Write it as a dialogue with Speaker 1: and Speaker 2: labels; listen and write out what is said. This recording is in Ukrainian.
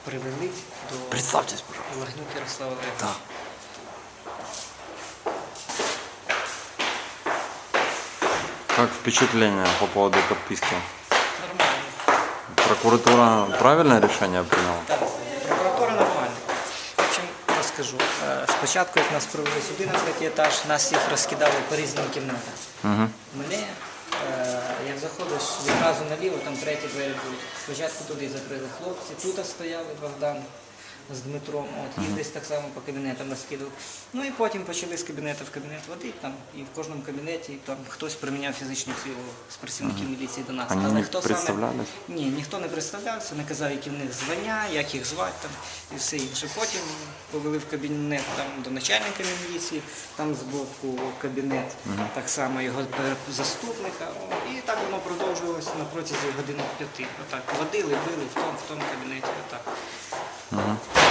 Speaker 1: привели до
Speaker 2: Представьтесь, пожалуйста.
Speaker 1: Лагнюк Ярослава Олеговича.
Speaker 2: Да. Как впечатление по поводу подписки?
Speaker 1: Нормально.
Speaker 2: Прокуратура правильное решение приняла?
Speaker 1: Так, прокуратура нормальна. В общем, розкажу. Спочатку, як нас привели сюди на третій етаж, нас всіх розкидали по різним кімнатам.
Speaker 2: Угу.
Speaker 1: Мене, як заходиш відразу наліво, там треті двері будуть. Спочатку туди закрили хлопці, тут стояли Богдан з Дмитром, от, і десь так само по кабінетам розкидав. Ну і потім почали з кабінету в кабінет водити, там, і в кожному кабінеті там, хтось приміняв фізичну силу з працівників міліції до нас.
Speaker 2: Вони
Speaker 1: Але
Speaker 2: не
Speaker 1: хто
Speaker 2: представлялись?
Speaker 1: Ні, ніхто не представлявся, не казав, які в них звання, як їх звати там, і все інше. Потім повели в кабінет там, до начальника міліції, там з боку кабінет, так само його заступника. І так воно продовжувалося на протязі години 5. Отак, водили, били в тому кабінеті. Отак.
Speaker 2: Угу.